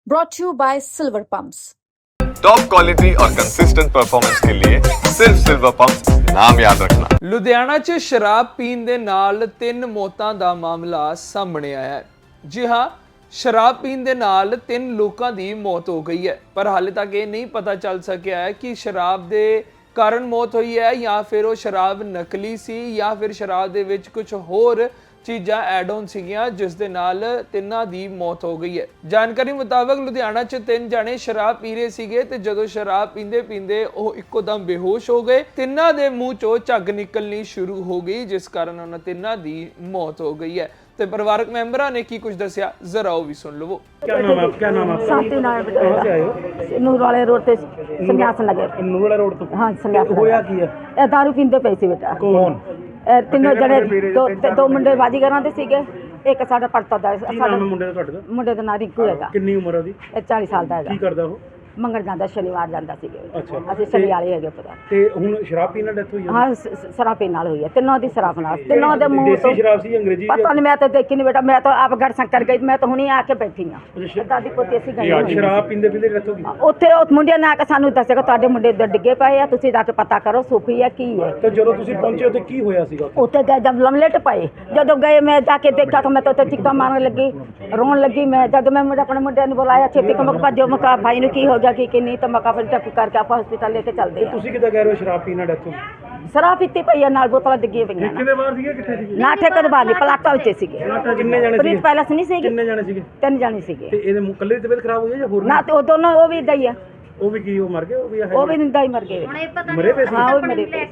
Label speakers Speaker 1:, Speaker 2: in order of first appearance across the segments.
Speaker 1: brought to you by Silver Pumps.
Speaker 2: Top quality और consistent performance के लिए सिर्फ सिल्वर पंप्स नाम याद रखना।
Speaker 3: ਲੁਧਿਆਣਾ 'ਚ ਸ਼ਰਾਬ ਪੀਣ ਦੇ ਨਾਲ 3 ਮੌਤਾਂ ਦਾ ਮਾਮਲਾ ਸਾਹਮਣੇ ਆਇਆ ਹੈ। ਜੀ ਹਾਂ, ਸ਼ਰਾਬ ਪੀਣ ਦੇ ਨਾਲ 3 ਲੋਕਾਂ ਦੀ ਮੌਤ ਹੋ ਗਈ ਹੈ, ਪਰ ਹਾਲੇ ਤੱਕ ਇਹ ਨਹੀਂ ਪਤਾ ਚੱਲ ਸਕਿਆ ਹੈ ਕਿ ਸ਼ਰਾਬ ਦੇ ਕਾਰਨ ਮੌਤ ਹੋਈ ਹੈ ਜਾਂ ਫਿਰ ਉਹ ਸ਼ਰਾਬ ਨਕਲੀ ਸੀ ਜਾਂ ਫਿਰ ਸ਼ਰਾਬ ਦੇ ਵਿੱਚ ਕੁਝ ਹੋਰ ਚੀਜ਼ਾਂ ਐਡ ਆਨ ਸੀਗੀਆਂ ਜਿਸ ਦੇ ਨਾਲ ਤਿੰਨਾਂ ਦੀ ਮੌਤ ਹੋ ਗਈ ਹੈ। ਜਾਣਕਾਰੀ ਮੁਤਾਬਕ ਲੁਧਿਆਣਾ 'ਚ 3 ਜਣੇ ਸ਼ਰਾਬ ਪੀ ਰਹੇ ਸੀਗੇ ਤੇ ਜਦੋਂ ਸ਼ਰਾਬ ਪੀਂਦੇ ਉਹ ਇੱਕੋ ਦਮ ਬੇਹੋਸ਼ ਹੋ ਗਏ। ਤਿੰਨਾਂ ਦੇ ਮੂੰਹ 'ਚੋਂ ਝੱਗ ਨਿਕਲਣੀ ਸ਼ੁਰੂ ਹੋ ਗਈ ਜਿਸ ਕਾਰਨ ਉਹਨਾਂ ਤਿੰਨਾਂ ਦੀ ਮੌਤ ਹੋ ਗਈ ਹੈ। ਤੇ ਪਰਿਵਾਰਕ ਮੈਂਬਰਾਂ ਨੇ ਕੀ ਕੁਝ ਦੱਸਿਆ, ਜ਼ਰਾ ਉਹ ਵੀ ਸੁਣ ਲਵੋ।
Speaker 4: क्या नाम है आप? क्या नाम है आपका?
Speaker 5: शांति नारायण
Speaker 4: कहाँ से आए हो?
Speaker 5: नूर वाले रोड पे संन्यास नगर।
Speaker 4: नूरवाला रोड तो
Speaker 5: हाँ संन्यास
Speaker 4: होया
Speaker 5: नगर।
Speaker 4: की है?
Speaker 5: ਇਹ दारू ਪੀਂਦੇ ਪਏ ਸੀ ਬੇਟਾ।
Speaker 4: कौन?
Speaker 5: ਇਹ ਤਿੰਨੋਂ ਜਣੇ ਦੋ ਮੁੰਡੇ ਬਾਜੀਗਰਾਂ ਦੇ ਸੀਗੇ, ਇੱਕ ਸਾਡਾ ਪੜਤਾ ਦਾ
Speaker 4: ਕੀ ਨਾਮ ਹੈ ਮੁੰਡੇ ਦਾ ਤੁਹਾਡੇ ਦਾ?
Speaker 5: ਮੁੰਡੇ ਦਾ ਨਾਂ ਰਿੰਕੂ ਹੈਗਾ।
Speaker 4: ਕਿੰਨੀ ਉਮਰ ਹੈ ਉਹਦੀ?
Speaker 5: ਇਹ 40 ਸਾਲ ਦਾ ਹੈਗਾ।
Speaker 4: ਕੀ ਕਰਦਾ ਉਹ?
Speaker 5: ਮੰਗਣ ਜਾਂਦਾ, ਸ਼ਨੀਵਾਰ ਜਾਂਦਾ ਸੀਗੇ।
Speaker 4: ਅੱਛਾ।
Speaker 5: ਅਸੀਂ ਸ਼ਨੀ ਵਾਲੇ ਹੈਗੇ ਪਤਾ।
Speaker 4: ਤੇ ਹੁਣ ਸ਼ਰਾਬ ਪੀਣ ਨਾਲ ਡੈਥ ਹੋਈ ਹੈ?
Speaker 5: ਹਾਂ ਸ਼ਰਾਬ ਪੀਣ ਨਾਲ ਹੋਈ ਹੈ, ਤਿੰਨੋਂ ਦੀ ਸ਼ਰਾਬ ਨਾਲ। ਤਿੰਨੋਂ ਦੇ ਮੂੰਹ ਤੋਂ
Speaker 4: ਦੇਸੀ ਸ਼ਰਾਬ ਸੀ ਅੰਗਰੇਜ਼ੀ?
Speaker 5: ਪਤਾ ਨਹੀਂ, ਮੈਂ ਤਾਂ ਦੇਖੀ ਨਹੀਂ ਬੇਟਾ, ਮੈਂ ਤਾਂ ਆਪ ਗੜ ਸ਼ੰਕਰ ਗਈ, ਮੈਂ ਤਾਂ ਹੁਣੀ ਆ ਕੇ ਬੈਠੀ ਹਾਂ। ਦਾਦੀ ਪੋਤੀ ਅਸੀਂ ਗਏ ਹੋਏ।
Speaker 4: ਸ਼ਰਾਬ ਪੀਂਦੇ ਪੀਂਦੇ ਡੈਥ ਹੋ ਗਈ?
Speaker 5: ਉੱਥੇ ਉਹ ਮੁੰਡਿਆਂ ਨੇ ਆ ਕੇ ਸਾਨੂੰ ਦੱਸਿਆ ਤੁਹਾਡੇ ਮੁੰਡੇ ਇੱਧਰ ਡਿੱਗੇ ਪਏ ਆ, ਤੁਸੀਂ ਜਾ ਕੇ ਪਤਾ ਕਰੋ ਸੂਫੀ ਹੈ ਕੀ ਹੈ।
Speaker 4: ਤੇ ਜਦੋਂ ਤੁਸੀਂ ਪਹੁੰਚੇ ਉੱਥੇ ਕੀ ਹੋਇਆ ਸੀਗਾ ਉੱਥੇ?
Speaker 5: ਉੱਥੇ ਗਏ ਜਦ ਲਮਲੇਟ ਪਏ, ਜਦੋਂ ਗਏ ਮੈਂ ਜਾ ਕੇ ਦੇਖਿਆ ਤਾਂ ਮੈਂ ਤਾਂ ਉੱਥੇ ਚੀਕਾਂ ਮਾਰਨ ਲੱਗੀ, ਰੋਣ ਲੱਗੀ। ਮੈਂ ਜਦ ਮੈਂ ਆਪਣੇ ਮੁੰਡਿਆਂ ਨੂੰ ਬੁਲਾਇਆ ਛੇਤੀ ਕਿ ਮੈਂ ਭੱਜੋ, ਮੈਂ ਕਿਹਾ ਭਾਈ ਨੂੰ ਕੀ ਹੋ ਗਿਆ ਕਿ ਨਹੀਂ, ਤਾਂ ਮੈਂ ਕਿਹਾ ਫਿਰ ਟੱਪ ਕਰਕੇ ਆਪਾਂ ਹਸਪੀਟਲ ਲੈ ਕੇ ਚੱਲਦੇ ਹਾਂ।
Speaker 4: ਤੁਸੀਂ ਕਿੱਦਾਂ ਕਹਿ ਰਹੇ ਹੋ ਸ਼ਰਾਬ ਪੀਣ ਨਾਲ ਡੈਥ ਹੋ ਗਈ?
Speaker 5: ਸ਼ਰਾਬ ਪੀਤੀ ਪਈ ਆ, ਨਾਲ ਬੋਤਲਾਂ ਡਿੱਗੀਆਂ ਪਈਆਂ
Speaker 4: ਕਿਹਦੇ ਬਾਹਰ ਸੀਗੇ, ਕਿੱਥੇ ਸੀਗੇ?
Speaker 5: ਨਾ ਠੇਕੇ ਦੇ ਬਾਹਰ ਨਹੀਂ, ਪਲਾਟਾ ਵਿੱਚ ਸੀਗੇ।
Speaker 4: ਕਿੰਨੇ ਜਾਣੇ
Speaker 5: ਪ੍ਰੀਤ
Speaker 4: ਸੀਗੇ?
Speaker 5: ਪੈਲਸ ਨਹੀਂ ਸੀਗੀ,
Speaker 4: ਕਿੰਨੇ ਜਾਣੇ ਸੀਗੇ?
Speaker 5: 3 ਜਾਣੇ ਸੀਗੇ।
Speaker 4: ਤੇ ਇਹਦੇ ਕੱਲੇ ਦੀ ਤਬੀਅਤ ਖਰਾਬ ਹੋਈ ਹੈ ਜਾਂ ਹੋਰ?
Speaker 5: ਨਾ ਤੇ ਉਹ ਦੋਨੋਂ ਉਹ ਵੀ ਏਦਾਂ ਹੀ ਆ,
Speaker 4: ਉਹ ਵੀ ਕੀ ਉਹ ਮਰ ਗਏ? ਉਹ ਵੀ
Speaker 5: ਉਹ ਵੀ ਨਿੰਦਾ ਹੀ ਮਰ ਗਏ।
Speaker 4: ਮਰੇ ਪਏ ਸੀ?
Speaker 5: ਹਾਂ ਉਹ ਮਰੇ ਪਏ।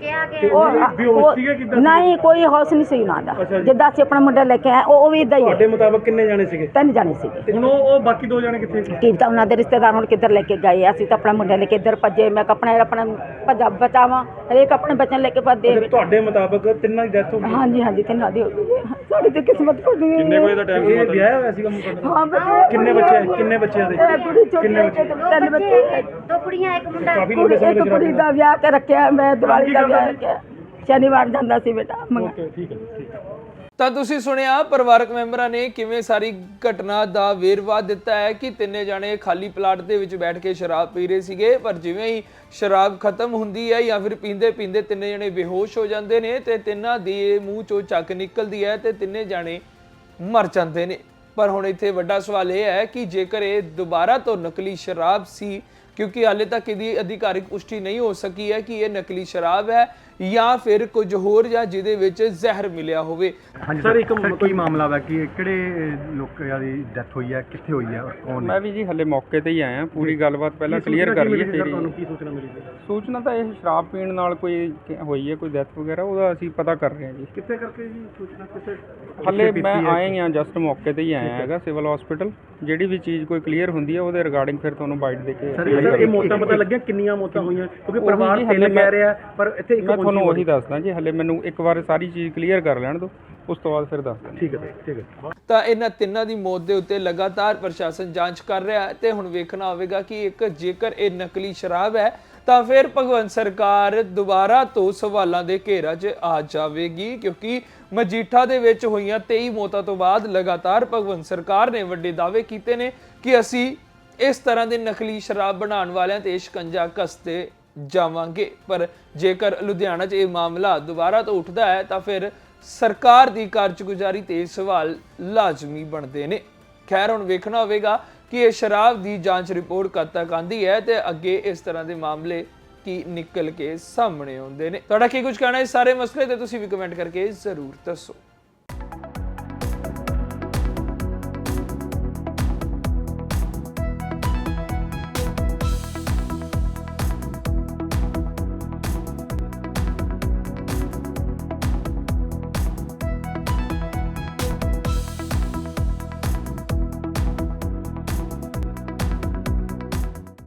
Speaker 4: ਬੇਹੋਸ਼ ਸੀਗੇ ਕਿੱਦਾਂ?
Speaker 5: ਨਹੀਂ ਕੋਈ ਹੋਸ਼ ਨਹੀਂ ਸੀ ਉਹਨਾਂ ਦਾ। ਜਿੱਦਾਂ ਅਸੀਂ ਆਪਣਾ ਮੁੰਡਾ ਲੈ ਕੇ ਆਏ ਉਹ ਵੀ ਏਦਾਂ ਹੀ
Speaker 4: ਤੁਹਾਡੇ ਮੁਤਾਬਕ ਕਿੰਨੇ ਜਾਣੇ ਸੀਗੇ?
Speaker 5: 3 ਜਾਣੇ ਸੀਗੇ।
Speaker 4: ਹੁਣ ਉਹ ਬਾਕੀ 2 ਜਾਣੇ ਕਿੱਥੇ?
Speaker 5: ਕੀ ਤਾਂ ਉਹਨਾਂ ਦੇ ਰਿਸ਼ਤੇਦਾਰ ਹੁਣ ਕਿੱਧਰ ਲੈ ਕੇ ਗਏ, ਅਸੀਂ ਤਾਂ ਆਪਣਾ ਮੁੰਡਾ ਲੈ ਕੇ ਇੱਧਰ ਭੱਜੇ। ਮੈਂ ਆਪਣਾ ਭੱਜਾ ਬਚਾਵਾਂ, ਹਰੇਕ ਆਪਣੇ ਬੱਚੇ ਲੈ ਕੇ ਭੱਜੇ।
Speaker 4: ਤੁਹਾਡੇ ਮੁਤਾਬਕ ਤਿੰਨਾਂ ਦੀ ਡੈਥ ਹੋ ਗਈ?
Speaker 5: ਹਾਂਜੀ ਹਾਂਜੀ ਤਿੰਨਾਂ ਦੀ ਹੋ ਗਈ ਹੈ। ਸਾਡੀ ਤੇ ਕਿਸਮਤ ਖੁੱਲੀ ਹੈ।
Speaker 4: ਕਿੰਨੇ ਵਜੇ ਦਾ ਟਾਈਮ? ਇਹ ਵਿਆਹ ਹੋਇਆ ਸੀਗਾ ਮੁੰਡਾ?
Speaker 5: ਹਾਂ ਬੱਚੇ।
Speaker 4: ਕਿੰਨੇ ਬੱਚੇ? ਕਿੰਨੇ ਬੱਚਿਆਂ ਦੇ?
Speaker 5: ਇਹ ਕੁੜੀ ਛੋਟੀ
Speaker 4: ਕਿੰਨੇ
Speaker 5: ਹੈ,
Speaker 4: ਬੱਚੇ?
Speaker 5: 3 ਬੱਚੇ।
Speaker 6: 2 ਕੁੜੀਆਂ 1 ਮੁੰਡਾ।
Speaker 4: ਕਾਫੀ ਲੰਬੇ ਸਮੇਂ
Speaker 5: ਇੱਕ
Speaker 4: ਤੋਂ
Speaker 5: ਕੁੜੀ ਦਾ ਵਿਆਹ ਕੇ ਰੱਖਿਆ, ਮੈਂ ਦੀਵਾਲੀ ਦਾ ਵਿਆਹ ਰੱਖਿਆ। ਸ਼ਨੀਵਾਰ ਜਾਂਦਾ ਸੀ ਬੇਟਾ ਮੰਗਾ।
Speaker 4: ਓਕੇ ਠੀਕ ਹੈ ਠੀਕ ਹੈ।
Speaker 3: ਤਾਂ ਤੁਸੀਂ ਸੁਣਿਆ ਪਰਿਵਾਰਕ ਮੈਂਬਰਾਂ ਨੇ ਕਿਵੇਂ ਸਾਰੀ ਘਟਨਾ ਦਾ ਵੇਰਵਾ ਦਿੱਤਾ ਹੈ ਕਿ 3 ਜਣੇ ਖਾਲੀ ਪਲਾਟ ਦੇ ਵਿੱਚ ਬੈਠ ਕੇ ਸ਼ਰਾਬ ਪੀ ਰਹੇ ਸੀਗੇ, ਪਰ ਜਿਵੇਂ ਹੀ ਸ਼ਰਾਬ ਖਤਮ ਹੁੰਦੀ ਹੈ ਜਾਂ ਫਿਰ ਪੀਂਦੇ 3 ਜਣੇ ਬੇਹੋਸ਼ ਹੋ ਜਾਂਦੇ ਨੇ ਤੇ ਤਿੰਨਾਂ ਦੇ ਮੂੰਹ ਚੋਂ ਚੱਕ ਨਿਕਲਦੀ ਹੈ ਤੇ 3 ਜਣੇ ਮਰ ਜਾਂਦੇ ਨੇ। ਪਰ ਹੁਣ ਇੱਥੇ ਵੱਡਾ ਸਵਾਲ ਇਹ ਹੈ ਕਿ ਜੇਕਰ ਇਹ ਦੁਬਾਰਾ ਤੋਂ ਨਕਲੀ ਸ਼ਰਾਬ ਸੀ, ਕਿਉਂਕਿ ਹਾਲੇ ਤੱਕ ਇਹਦੀ ਅਧਿਕਾਰਿਕ ਪੁਸ਼ਟੀ ਨਹੀਂ ਹੋ ਸਕੀ ਹੈ ਕਿ ਇਹ ਨਕਲੀ ਸ਼ਰਾਬ ਹੈ ਜਾਂ ਫਿਰ ਕੁਝ ਹੋਰ ਜਾਂ ਜਿਹਦੇ ਵਿੱਚ ਜ਼ਹਿਰ ਮਿਲਿਆ ਹੋਵੇ।
Speaker 7: ਹਾਂਜੀ ਸਰ, ਇੱਕ ਕੋਈ ਮਾਮਲਾ ਵਾ ਕਿ ਕਿਹੜੇ ਲੋਕਾਂ ਦੀ ਡੈਥ ਹੋਈ ਹੈ, ਕਿੱਥੇ ਹੋਈ ਹੈ ਔਰ ਕੌਣ ਨੇ?
Speaker 8: ਮੈਂ ਵੀ ਜੀ ਹਲੇ ਮੌਕੇ ਤੇ ਹੀ ਆਇਆ, ਪੂਰੀ ਗੱਲਬਾਤ ਪਹਿਲਾਂ ਕਲੀਅਰ ਕਰ ਲਈਏ ਫਿਰ।
Speaker 4: ਤੁਹਾਨੂੰ ਕੀ ਸੂਚਨਾ ਮਿਲੀ ਸੀ?
Speaker 8: ਸੂਚਨਾ ਤਾਂ ਇਹ ਸ਼ਰਾਬ ਪੀਣ ਨਾਲ ਕੋਈ ਹੋਈ ਹੈ, ਕੋਈ ਡੈਥ ਵਗੈਰਾ, ਉਹਦਾ ਅਸੀਂ ਪਤਾ ਕਰ ਰਹੇ ਹਾਂ ਜੀ।
Speaker 4: ਕਿੱਥੇ ਕਰਕੇ ਜੀ ਸੂਚਨਾ? ਕਿੱਥੇ?
Speaker 8: ਹਲੇ ਮੈਂ ਆਇਆ ਹੀ ਹਾਂ, ਜਸਟ ਮੌਕੇ ਤੇ ਹੀ ਆਇਆ ਹੈਗਾ ਸਿਵਲ ਹਸਪੀਟਲ। ਜਿਹੜੀ ਵੀ ਚੀਜ਼ ਕੋਈ ਕਲੀਅਰ ਹੁੰਦੀ ਹੈ ਉਹਦੇ ਰਿਗਾਰਡਿੰਗ ਫਿਰ ਤੁਹਾਨੂੰ ਬਾਈਟ ਦੇ ਕੇ।
Speaker 4: ਸਰ ਇਹ ਮੌਤਾਂ ਪਤਾ ਲੱਗਿਆ ਕਿੰਨੀਆਂ ਮੌਤਾਂ ਹੋਈਆਂ? ਕਿਉਂਕਿ ਪਰਿਵਾਰ ਹਲੇ ਕਹਿ ਰਿਹਾ ਪਰ ਇੱਥੇ ਇੱਕ
Speaker 8: ਮੈਂ ਤੁਹਾਨੂੰ ਉਹੀ ਦੱਸਦਾ ਜੀ, ਹਲੇ ਮੈਨੂੰ ਇੱਕ ਵਾਰ ਸਾਰੀ ਚੀਜ਼ ਕਲੀਅਰ ਕਰ ਲੈਣ ਦਿਓ, ਉਸ ਤੋਂ ਬਾਅਦ ਫਿਰ ਦੱਸਦਾ।
Speaker 4: ਠੀਕ ਹੈ ਠੀਕ ਹੈ।
Speaker 3: ਤਾਂ ਇਹਨਾਂ ਤਿੰਨਾਂ ਦੀ ਮੌਤ ਦੇ ਉੱਤੇ ਲਗਾਤਾਰ ਪ੍ਰਸ਼ਾਸਨ ਜਾਂਚ ਕਰ ਰਿਹਾ ਹੈ ਤੇ ਹੁਣ ਵੇਖਣਾ ਹੋਵੇਗਾ ਕਿ ਜੇਕਰ ਇਹ ਨਕਲੀ ਸ਼ਰਾਬ ਹੈ ਤਾਂ ਫਿਰ ਭਗਵੰਤ ਸਰਕਾਰ ਦੁਬਾਰਾ ਤੋਂ ਸਵਾਲਾਂ ਦੇ ਘੇਰਾ 'ਚ ਆ ਜਾਵੇਗੀ, ਕਿਉਂਕਿ ਮਜੀਠਾ ਦੇ ਵਿੱਚ ਹੋਈਆਂ 23 ਮੌਤਾਂ ਤੋਂ ਬਾਅਦ ਲਗਾਤਾਰ ਭਗਵੰਤ ਸਰਕਾਰ ਨੇ ਵੱਡੇ ਦਾਅਵੇ ਕੀਤੇ ਨੇ ਕਿ ਅਸੀਂ ਇਸ ਤਰ੍ਹਾਂ ਦੇ ਨਕਲੀ ਸ਼ਰਾਬ ਬਣਾਉਣ ਵਾਲਿਆਂ ਤੇ ਸ਼ਿਕੰਜਾ ਕੱਸਦੇ ਜਾਵਾਂਗੇ। ਪਰ ਜੇਕਰ ਲੁਧਿਆਣਾ 'ਚ ਇਹ ਮਾਮਲਾ ਦੁਬਾਰਾ ਤੋਂ ਉੱਠਦਾ ਹੈ ਤਾਂ ਫਿਰ ਸਰਕਾਰ ਦੀ ਕਾਰਜਗੁਜ਼ਾਰੀ ਤੇ ਸਵਾਲ ਲਾਜ਼ਮੀ ਬਣਦੇ ਨੇ। ਖੈਰ ਹੁਣ ਵੇਖਣਾ ਹੋਵੇਗਾ ਕਿ ਇਹ ਸ਼ਰਾਬ ਦੀ ਜਾਂਚ ਰਿਪੋਰਟ ਕਦ ਤੱਕ ਆਂਦੀ ਹੈ ਤੇ ਅੱਗੇ ਇਸ ਤਰ੍ਹਾਂ ਦੇ ਮਾਮਲੇ ਕੀ ਨਿਕਲ ਕੇ ਸਾਹਮਣੇ ਆਉਂਦੇ ਨੇ। ਤੁਹਾਡਾ ਕੀ ਕੁਝ ਕਹਿਣਾ ਇਸ ਸਾਰੇ ਮਸਲੇ ਤੇ ਤੁਸੀਂ ਵੀ ਕਮੈਂਟ ਕਰਕੇ ਜ਼ਰੂਰ ਦੱਸੋ।